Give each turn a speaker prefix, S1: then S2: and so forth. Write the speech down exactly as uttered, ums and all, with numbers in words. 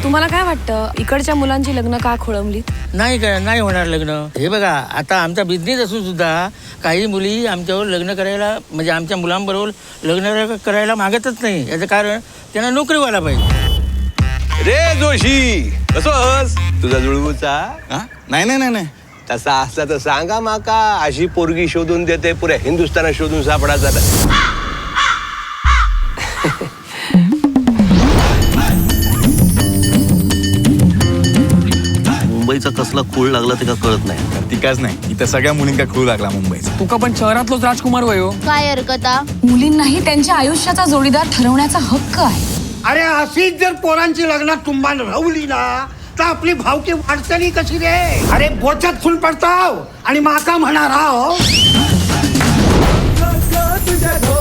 S1: तुम्हाला काय वाटतं इकडच्या मुलांची लग्न का खोळंबलीत?
S2: नाही का नाही होणार लग्न. हे बघा आता आमचा बिझनेस असून सुद्धा काही मुली आमच्यावर लग्न करायला म्हणजे आमच्या मुलांबरोबर लग्न करायला मागतच नाही. याचं कारण त्यांना नोकरी व्हायला पाहिजे.
S3: रे जोशी कसोस तुझा जुळवूचा?
S4: नाही नाही नाही नाही
S3: तसा असला तर सांगा माका. अशी पोरगी शोधून देते पुऱ्या हिंदुस्थानात शोधून सापडायचा.
S5: मुंबईचा कसला खूळ लागला ते का कळत नाही.
S4: तिकाच नाही इथं सगळ्या मुलींका खूळ लागला मुंबईचा.
S6: तुका पण शहरातलोच राजकुमार वयो.
S7: काय हरकता?
S1: मुलींनाही त्यांच्या आयुष्याचा जोडीदार ठरवण्याचा हक्क आहे.
S8: अरे अशीच जर पोरांची लग्नात तुंबान रवली ना तर आपली भावकी वाढतली कशी रे? अरे बोचात फुल पडताव आणि माका म्हणा राव.